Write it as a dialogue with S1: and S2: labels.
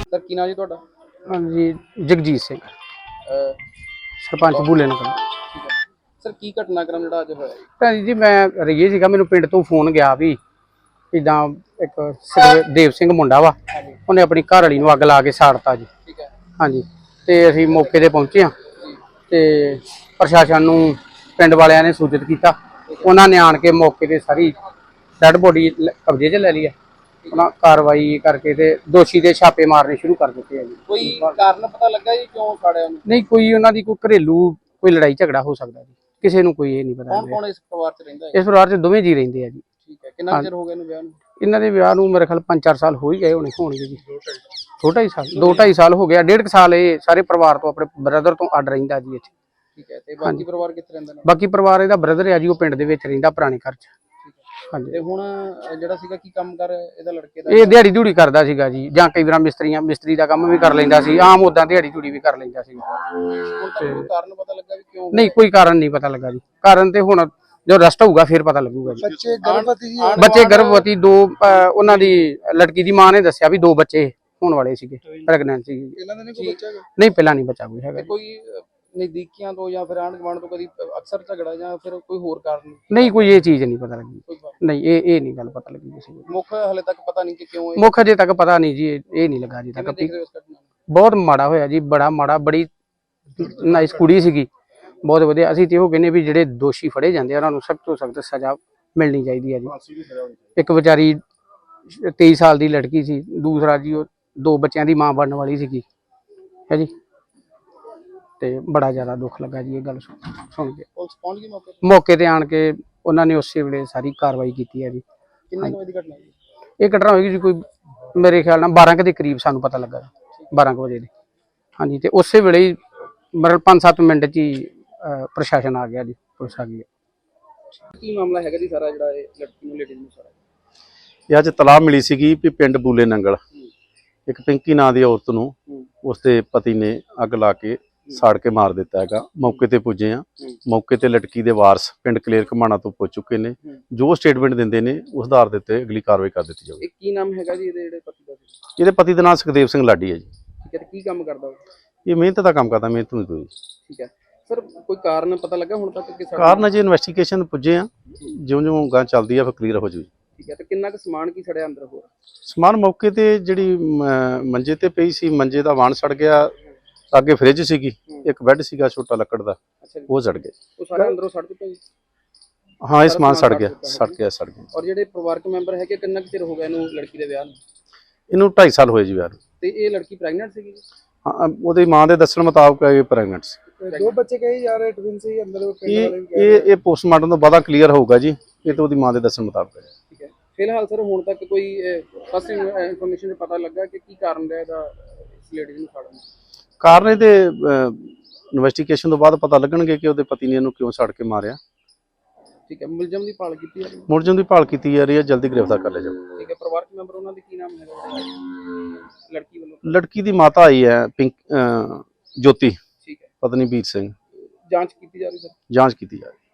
S1: Sir ਕੀ ਨਾਮ ਜੀ ਤੁਹਾਡਾ?
S2: ਹਾਂਜੀ ਜਗਜੀਤ ਸਿੰਘ
S1: ਅਹ,
S2: ਸਰਪੰਚ ਬੂਲੇ ਨਗਰ।
S1: ਠੀਕ ਹੈ ਸਰ, ਕੀ ਘਟਨਾਕ੍ਰਮ ਜਿਹੜਾ ਅੱਜ ਹੋਇਆ ਜੀ?
S2: ਭੈਣ ਜੀ ਮੈਂ ਰਹੀਏ ਸੀਗਾ, ਮੈਨੂੰ ਪਿੰਡ ਤੋਂ ਫੋਨ ਗਿਆ ਵੀ ਇਦਾਂ ਇੱਕ ਦੇਵ ਸਿੰਘ ਮੁੰਡਾ ਵਾ, ਉਹਨੇ ਆਪਣੀ ਘਰ ਵਾਲੀ ਨੂੰ ਅੱਗ ਲਾ ਕੇ ਸਾੜਤਾ ਜੀ।
S1: ਠੀਕ ਹੈ
S2: ਹਾਂਜੀ, ਤੇ ਅਸੀਂ ਮੌਕੇ ਤੇ ਪਹੁੰਚੇ ਹਾਂ
S1: ਜੀ।
S2: ਤੇ ਪ੍ਰਸ਼ਾਸਨ ਨੂੰ ਪਿੰਡ ਵਾਲਿਆਂ ਨੇ ਸੂਚਿਤ ਕੀਤਾ। ਉਹਨਾਂ ਨੇ ਆਣ ਕੇ ਮੌਕੇ ਤੇ ਸਾਰੀ ਡੈਡ ਬੋਡੀ ਕਬਜ਼ੇ 'ਚ ਲੈ ਲਈ ਹੈ। ਉਹਨਾਂ ਕਾਰਵਾਈ ਕਰਕੇ ਤੇ ਦੋਸ਼ੀ ਦੇ ਛਾਪੇ ਮਾਰਨੇ ਸ਼ੁਰੂ ਕਰ ਦਿੱਤੇ ਆ ਜੀ।
S1: ਕੋਈ ਕਾਰਨ ਪਤਾ ਲੱਗਾ ਜੀ ਕਿਉਂ ਸਾੜਿਆ ਉਹਨੂੰ?
S2: ਨਹੀਂ, ਕੋਈ ਉਹਨਾਂ ਦੀ ਕੋਈ ਘਰੇਲੂ ਕੋਈ ਲੜਾਈ ਝਗੜਾ ਹੋ ਸਕਦਾ ਜੀ, ਕਿਸੇ ਨੂੰ ਕੋਈ ਇਹ ਨਹੀਂ ਪਤਾ।
S1: ਕੌਣ ਕੌਣ ਇਸ ਪਰਿਵਾਰ 'ਚ ਰਹਿੰਦਾ ਹੈ?
S2: ਇਸ ਪਰਿਵਾਰ 'ਚ ਦੋਵੇਂ ਜੀ ਰਹਿੰਦੇ ਆ ਜੀ।
S1: ਠੀਕ ਹੈ, ਕਿੰਨਾ ਚਿਰ ਹੋ ਗਿਆ ਇਹਨੂੰ ਵਿਆਹ ਨੂੰ?
S2: ਇਹਨਾਂ ਦੇ ਵਿਆਹ ਨੂੰ ਮੇਰੇ ਖਿਆਲ 5-4 ਸਾਲ ਹੋ ਹੀ ਗਏ ਹੋਣਗੇ ਜੀ। 2.5 ਸਾਲ 2.5 ਸਾਲ ਹੋ ਗਿਆ। 1.5 ਸਾਲ ਇਹ ਸਾਰੇ ਪਰਿਵਾਰ ਤੋਂ ਆਪਣੇ ਬ੍ਰਦਰ ਤੋਂ ਅੱਡ ਰਹਿੰਦਾ ਜੀ ਇੱਥੇ।
S1: ਠੀਕ ਹੈ, ਤੇ ਬਾਕੀ ਪਰਿਵਾਰ ਕਿੱਥੇ ਰਹਿੰਦਾ ਨੇ?
S2: ਬਾਕੀ ਪਰਿਵਾਰ ਇਹਦਾ ਬ੍ਰਦਰ ਆ ਜੀ, ਉਹ ਪਿੰਡ ਦੇ ਵਿੱਚ ਰਹਿੰਦਾ ਪੁਰਾਣੇ ਘਰ 'ਚ। ਹਾਂਜੀ,
S1: ਤੇ ਹੁਣ ਜਿਹੜਾ ਸੀਗਾ ਕੀ ਕੰਮ ਕਰ ਇਹਦਾ ਲੜਕੇ ਦਾ?
S2: ਇਹ ਦਿਹਾੜੀ ਧੂੜੀ ਕਰਦਾ ਸੀਗਾ ਜੀ, ਜਾਂ ਕਈ ਵਾਰ ਮਿਸਤਰੀ ਦਾ ਕੰਮ ਵੀ ਕਰ ਲੈਂਦਾ ਸੀ, ਆਮ ਉਦਾਂ ਦਿਹਾੜੀ ਧੂੜੀ ਵੀ ਕਰ ਲੈਂਦਾ ਸੀ।
S1: ਹੁਣ ਤੱਕ ਕੋਈ ਕਾਰਨ ਪਤਾ ਲੱਗਾ ਵੀ ਕਿਉਂ?
S2: ਨਹੀਂ, ਕੋਈ ਕਾਰਨ ਨਹੀਂ ਪਤਾ ਲੱਗਾ ਜੀ। ਕਾਰਨ ਤੇ ਹੁਣ ਜੋ ਰਸਟ ਹੋਊਗਾ ਫਿਰ ਪਤਾ ਲੱਗੂਗਾ ਜੀ। ਬੱਚੇ ਗਰਭਵਤੀ ਦੋ, ਉਹਨਾਂ ਦੀ ਲੜਕੀ ਦੀ ਮਾਂ ਨੇ ਦੱਸਿਆ ਵੀ 2 ਬੱਚੇ ਹੋਣ ਵਾਲੇ ਸੀਗੇ, ਪ੍ਰੈਗਨੈਂਟ ਸੀ।
S1: ਇਹਨਾਂ ਦਾ ਨਹੀਂ ਕੋਈ ਬੱਚਾ ਹੈਗਾ?
S2: ਨਹੀਂ, ਪਹਿਲਾਂ ਨਹੀਂ ਬੱਚਾ ਕੋਈ ਹੈਗਾ।
S1: ਕੋਈ ਨਜ਼ਦੀਕੀਆਂ ਤੋਂ ਜਾਂ ਫਿਰ ਆਂਢ ਗੁਆਂਢ ਤੋਂ ਕਦੀ ਅਕਸਰ ਝਗੜਾ ਜਾਂ ਫਿਰ ਕੋਈ ਹੋਰ ਕਾਰਨ?
S2: ਨਹੀਂ, ਕੋਈ ਇਹ ਚੀਜ਼ ਨਹੀਂ ਪਤਾ ਲੱਗੀ।
S1: ਕੋਈ ਬਾਤ
S2: ਨਹੀਂ, ਇਹ ਨਹੀਂ ਗੱਲ ਪਤਾ ਲੱਗੀ ਕਿਸੇ ਨੂੰ।
S1: ਮੁੱਖ ਹਲੇ ਤੱਕ ਪਤਾ ਨਹੀਂ ਕਿ ਕਿਉਂ
S2: ਮੁੱਖ ਅਜੇ ਤੱਕ ਪਤਾ ਨਹੀਂ ਜੀ, ਇਹ ਨਹੀਂ ਲੱਗਾ ਜੀ ਤੱਕ।
S1: ਦੇਖ ਰਹੇ ਹੋ ਇਸ ਘਟਨਾ ਨੂੰ?
S2: ਬਹੁਤ ਮਾੜਾ ਹੋਇਆ ਜੀ, ਬੜਾ ਮਾੜਾ। ਬੜੀ ਨਾਈਸ ਕੁੜੀ ਸੀਗੀ, ਬਹੁਤ ਵਧੀਆ। ਅਸੀਂ ਤੇ ਉਹ ਕਹਿੰਦੇ ਵੀ ਜਿਹੜੇ ਦੋਸ਼ੀ ਫੜੇ ਜਾਂਦੇ ਆ ਉਹਨਾਂ ਨੂੰ ਸਖਤ ਤੋਂ ਸਖਤ ਸਜ਼ਾ ਮਿਲਣੀ ਚਾਹੀਦੀ ਹੈ ਜੀ। ਇੱਕ ਵਿਚਾਰੀ 23 ਸਾਲ ਦੀ ਲੜਕੀ ਸੀ, ਦੂਸਰਾ ਜੀ ਉਹ 2 ਬੱਚਿਆਂ ਦੀ ਮਾਂ ਬਣਨ ਵਾਲੀ ਸੀਗੀ ਹੈ ਜੀ। ਤੇ ਬੜਾ ਜ਼ਿਆਦਾ ਦੁੱਖ ਲੱਗਾ ਜੀ ਇਹ ਗੱਲ ਸੁਣ ਕੇ।
S1: ਪੁਲਿਸ ਪਹੁੰਚ ਗਈ ਮੌਕੇ
S2: ਮੌਕੇ ਤੇ ਆਣ ਕੇ ਉਹਨਾਂ ਨੇ ਉਸੇ ਵੇਲੇ ਸਾਰੀ ਕਾਰਵਾਈ ਕੀਤੀ ਹੈ ਜੀ।
S1: ਕਿੰਨੇ ਵਜੇ ਦੀ ਘਟਨਾ ਜੀ?
S2: ਇਹ ਘਟਨਾ ਹੋਏਗੀ ਜੀ ਕੋਈ ਮੇਰੇ ਖਿਆਲ ਨਾਲ 12 ਦੇ ਕਰੀਬ ਸਾਨੂੰ ਪਤਾ ਲੱਗਾ, 12 ਵਜੇ ਦੇ। ਹਾਂਜੀ, ਤੇ ਉਸੇ ਵੇਲੇ ਹੀ ਮਤਲਬ 5-7 ਮਿੰਟ 'ਚ ਹੀ ਪ੍ਰਸ਼ਾਸਨ ਆ ਗਿਆ ਜੀ, ਪੁਲਿਸ ਆ ਗਈ।
S1: ਕੀ ਮਾਮਲਾ ਹੈਗਾ ਜੀ ਸਾਰਾ ਜਿਹੜਾ ਇਹ ਲੜਕੀ ਨੂੰ ਲੇਡੀਜ਼ ਨੂੰ ਸਾਰਾ?
S3: ਇਹ ਅੱਜ ਤਲਾਹ ਮਿਲੀ ਸੀਗੀ ਵੀ ਪਿੰਡ ਬੂਲੇ ਨੰਗਲ ਇੱਕ ਪਿੰਕੀ ਨਾਂ ਦੀ ਔਰਤ ਨੂੰ ਉਸਦੇ ਪਤੀ ਨੇ ਅੱਗ ਲਾ ਕੇ ਸਾੜ ਕੇ ਮਾਰ ਦਿੱਤਾ ਹੈਗਾ। ਮੌਕੇ ਤੇ ਪੁੱਜੇ ਆ, ਮੌਕੇ ਤੇ ਲੜਕੀ ਦੇ ਵਾਰਸ ਪਿੰਡ ਕਲੇਰ ਘਮਾਣਾ ਤੋਂ ਪੁੱਜ ਚੁੱਕੇ ਨੇ। ਜੋ ਸਟੇਟਮੈਂਟ ਦਿੰਦੇ ਨੇ ਉਸ ਆਧਾਰ ਦੇ ਉੱਤੇ ਅਗਲੀ ਕਾਰਵਾਈ ਕਰ ਦਿੱਤੀ ਜਾਊਗੀ।
S1: ਇਹ ਕੀ ਨਾਮ ਹੈਗਾ ਜੀ ਇਹਦੇ ਜਿਹੜੇ ਪਤੀ ਦਾ?
S3: ਇਹਦੇ ਪਤੀ ਦਾ ਨਾਮ ਸੁਖਦੇਵ ਸਿੰਘ ਲਾਡੀ ਹੈ ਜੀ।
S1: ਠੀਕ ਹੈ, ਤੇ ਕੀ ਕੰਮ ਕਰਦਾ ਉਹ?
S3: ਇਹ ਮਿਹਨਤ ਦਾ ਕੰਮ ਕਰਦਾ, ਮਿਹਨਤ ਮਜ਼ਦੂਰੀ।
S1: ਠੀਕ ਹੈ ਸਰ, ਕੋਈ ਕਾਰਨ ਪਤਾ ਲੱਗਾ ਹੁਣ ਤੱਕ ਕਿ
S3: ਕਾਰਨ ਅਜੇ ਇਨਵੈਸਟੀਗੇਸ਼ਨ ਪੁੱਜੇ ਆ, ਜਿਉਂ-ਜਿਉਂ ਗਾਂ ਚੱਲਦੀ ਆ ਫਿਰ ਕਲੀਅਰ ਹੋ ਜਾਊਗੀ।
S1: ਠੀਕ ਹੈ, ਤੇ ਕਿੰਨਾ ਕੁ ਸਮਾਨ ਕੀ ਸੜਿਆ ਅੰਦਰ ਹੋਰ?
S3: ਸਮਾਨ ਮੌਕੇ ਤੇ ਜਿਹੜੀ ਮੰਜੇ ਤੇ ਪਈ ਸੀ, ਮੰਜੇ ਦਾ ਵਾਣ ਸੜ ਗਿਆ। ਅੱਗੇ ਫ੍ਰਿਜ ਸੀਗੀ, ਇੱਕ ਬੈੱਡ ਸੀਗਾ ਛੋਟਾ ਲੱਕੜ ਦਾ, ਉਹ ਸੜ ਗਿਆ।
S1: ਉਹ ਸਾਰੇ ਅੰਦਰੋਂ ਸੜ ਚੁੱਕਾ ਜੀ?
S3: ਹਾਂ, ਇਹ ਸਮਾਨ ਸੜ ਗਿਆ।
S1: ਔਰ ਜਿਹੜੇ ਪਰਿਵਾਰਕ ਮੈਂਬਰ ਹੈਗੇ, ਕਿੰਨਾ ਕੁ ਚਿਰ ਹੋ ਗਿਆ ਇਹਨੂੰ ਲੜਕੀ ਦੇ ਵਿਆਹ ਨੂੰ?
S3: ਇਹਨੂੰ 2.5 ਸਾਲ ਹੋਏ ਜੀ ਵਿਆਹ ਨੂੰ।
S1: ਤੇ ਇਹ ਲੜਕੀ ਪ੍ਰੈਗਨੈਂਟ ਸੀਗੀ?
S3: ਹਾਂ, ਉਹਦੀ ਮਾਂ ਦੇ ਦੱਸਣ ਮੁਤਾਬਕ ਇਹ ਪ੍ਰੈਗਨੈਂਟ ਸੀ।
S1: 2 ਬੱਚੇ ਕਹੇ ਜਾ ਰਹੇ, ਟਵਿਨ ਸੀ ਅੰਦਰ।
S3: ਇਹ ਪੋਸਟਮਾਰਟਮ ਤੋਂ ਬਾਅਦ ਕਲੀਅਰ ਹੋਊਗਾ ਜੀ। ਇਹ ਤਾਂ ਉਹਦੀ ਮਾਂ ਦੇ ਦੱਸਣ ਮੁਤਾਬਕ ਹੈ।
S1: ਠੀਕ ਹੈ, ਫਿਲਹਾਲ ਸਰ ਹੁਣ ਤੱਕ ਕੋਈ ਫਸਟ ਇਨਫੋਰਮੇਸ਼ਨ ਪਤਾ ਲੱਗਾ ਕਿ ਕੀ ਕਾਰਨ ਰਿਹਾ ਇਹਦਾ ਇਸ ਲੇਡੀ ਨੂੰ ਸਾੜਨ ਦਾ?
S3: ਕਾਰਨ ਇਹਦੇ ਇਨਵੈਸਟੀਗੇਸ਼ਨ ਤੋਂ ਬਾਅਦ ਪਤਾ ਲੱਗਣਗੇ ਕਿ ਉਹਦੇ ਪਤੀ ਨੇ ਇਹਨੂੰ ਕਿਉਂ ਸੜ ਕੇ ਮਾਰਿਆ।
S1: ਠੀਕ ਹੈ, ਮੁਲਜ਼ਮ ਦੀ ਭਾਲ ਕੀਤੀ ਜਾ ਰਹੀ ਹੈ?
S3: ਮੁਲਜ਼ਮ ਦੀ ਭਾਲ ਕੀਤੀ ਜਾ ਰਹੀ ਹੈ, ਜਲਦੀ ਗ੍ਰਿਫਤਾਰ ਕਰ ਲਿਆ ਜਾਊਗਾ।
S1: ਠੀਕ ਹੈ, ਪਰਿਵਾਰਕ ਮੈਂਬਰ ਉਹਨਾਂ ਦੇ ਕੀ ਨਾਮ ਹੈਗਾ ਲੜਕੀ ਵੱਲੋਂ?
S3: ਲੜਕੀ ਦੀ ਮਾਤਾ ਆਈ ਹੈ ਜੋਤੀ,
S1: ਠੀਕ ਹੈ,
S3: ਪਤਨੀ ਵੀਰ ਸਿੰਘ।
S1: ਜਾਂਚ ਕੀਤੀ ਜਾ ਰਹੀ ਸਰ?
S3: ਜਾਂਚ ਕੀਤੀ ਜਾ ਰਹੀ ਹੈ।